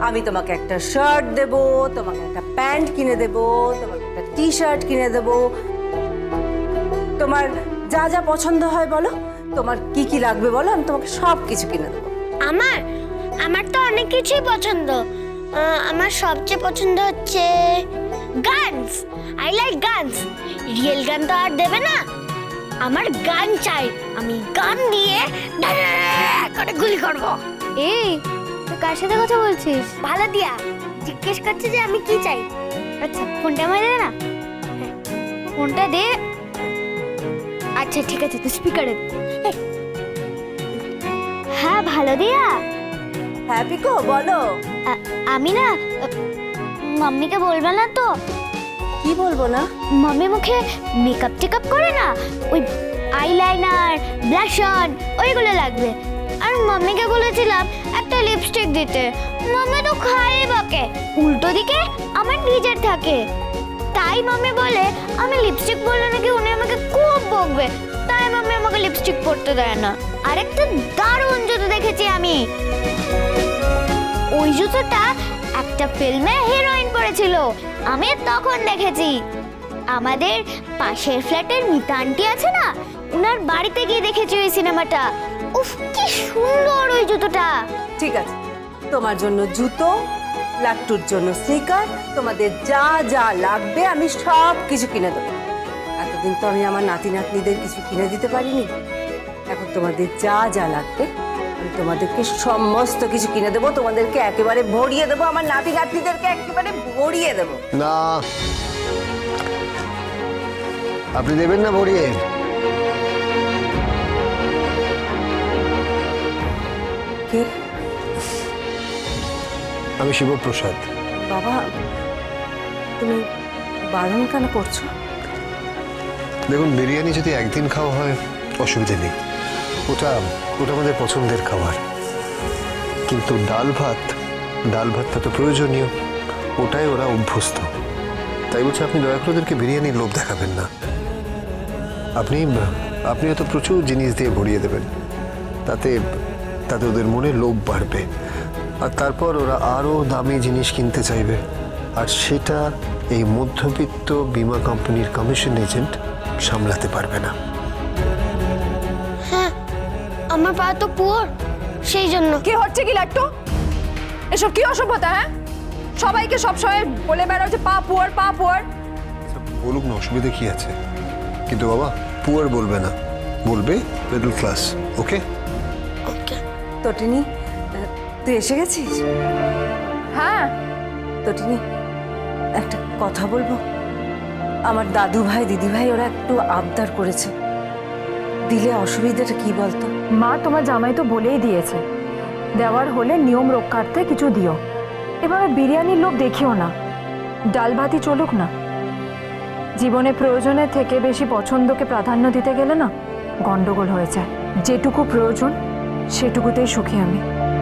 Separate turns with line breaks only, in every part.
আমি তোমাকে একটা শার্ট দেব, তোমাকে একটা প্যান্ট কিনে দেব, তোমাকে একটা টি শার্ট কিনে দেব। তোমার যা যা পছন্দ হয় বলো, তোমার কি কি লাগবে বলো, আমি তোমাকে সব কিছু কিনে দেবো।
আমার আমার তো অনেক কিছুই পছন্দ। আমার সবচেয়ে পছন্দ হচ্ছে guns. I like guns. Real gun তো আর দেবে না, আমার গান চাই। আমি গান দিয়ে করে গুলি করব।
এই তুই কার সাথে কথা বলছিস?
ভালো দিয়া জিজ্ঞেস করছে যে আমি কি চাই।
আচ্ছা ফোনটা আমায় দে না। ফোনটা দে। আচ্ছা ঠিক আছে, তুই স্পিকারে দে। হ্যাঁ ভালো দিয়া।
হ্যাঁ পিকো বলো।
আমি না মাম্মিকে বলবে না তো?
কি বলবো না?
মাম্মি মুখে মেকআপ টেকআপ করে না, ওই আইলাইনার ব্লাশ অন ওইগুলো লাগবে। আর মাম্মিকে বলেছিলাম একটা লিপস্টিক দিতে, মাম্মি তো খায় বকে। উল্টো দিকে আমার নিজের থাকে, তাই মাম্মি বলে আমি লিপস্টিক পরলে নাকি উনি আমাকে খুব বকবে, তাই মাম্মি আমাকে লিপস্টিক পরতে দেয় না। আরেকটা দারুণ জুতো দেখেছি আমি, ওই জুতোটা একটা ফিল্মে হিরোইন পরেছিল, আমি তখন দেখেছি। আমাদের পাশের ফ্ল্যাটের মিতা আন্টি আছে না, উনার বাড়িতে গিয়ে দেখেছি ওই সিনেমাটা। উফ কি সুন্দর ওই জুতোটা।
ঠিক আছে, তোমার জন্য জুতো, লাট্টুর জন্য স্নিকার, তোমাদের যা যা লাগবে আমি সব কিছু কিনে দেবো। এতদিন তো আমি আমার নাতি নাতনিদের কিছু কিনে দিতে পারিনি, এখন তোমাদের যা যা লাগবে আমি তোমাদেরকে সমস্ত কিছু কিনে দেবো, তোমাদেরকে একেবারে ভরিয়ে দেবো, আমার নাতি নাতনিদেরকে একেবারে ভরিয়ে দেবো।
না, আপনি দেবেন না ভরিয়ে?
কে?
আমি শিবপ্রসাদ।
বাবা, তুমি বারণ কেন করছো?
দেখুন, বিরিয়ানি যদি একদিন খাওয়া হয় অসুবিধা নেই, ওটা ওটা আমাদের পছন্দের খাবার। কিন্তু ডাল ভাতটা তো প্রয়োজনীয়, ওটাই ওরা অভ্যস্ত। তাই বলছে আপনি দয়া করে ওদেরকে বিরিয়ানির লোভ দেখাবেন না। আপনি হয়তো প্রচুর জিনিস দিয়ে ভরিয়ে দেবেন, তাতে ওদের মনে লোভ বাড়বে, আর তারপর ওরা আরও দামি জিনিস কিনতে চাইবে, আর সেটা এই মধ্যবিত্ত বীমা কোম্পানির কমিশন এজেন্ট সামলাতে পারবে না।
হ্যাঁ, আমার পা তো পুয়ার, সেই জন্য।
কি হচ্ছে কি লাট্টু? এসব কি অসভ্যতা? হ্যাঁ, সবাইকে সবসময় বলে বেড়াও যে পা পুয়ার পা পুয়ার।
বলুক না, অসুবিধা কি আছে? কিন্তু বাবা, পুয়ার বলবে না, বলবে মিডল ক্লাস। ওকে
ওকে।
তটিনী, তুই এসে গেছিস?
হ্যাঁ,
তটিনী, একটা কথা বলবো। আমার দাদু ভাই দিদি ভাই ওরা একটু আবদার করেছে, দিলে অসুবিধাটা কি বলতো?
মা তোমার জামাই তো বলেই দিয়েছে, দেওয়ার হলে নিয়ম রক্ষার্থে কিছু দিও। এভাবে বিরিয়ানির লোভ দেখিও না, ডাল ভাতই চলুক না। জীবনে প্রয়োজনের থেকে বেশি পছন্দকে প্রাধান্য দিতে গেলে না গন্ডগোল হয়ে যায়। যেটুকু প্রয়োজন সেটুকুতেই সুখী আমি।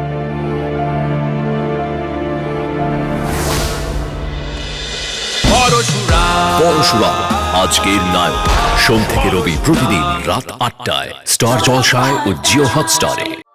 পরশুরাম আজকের নায়ক, সোম থেকে রবি প্রতিদিন রাত ৮টায় স্টার জলসায় ও জিও হটস্টারে।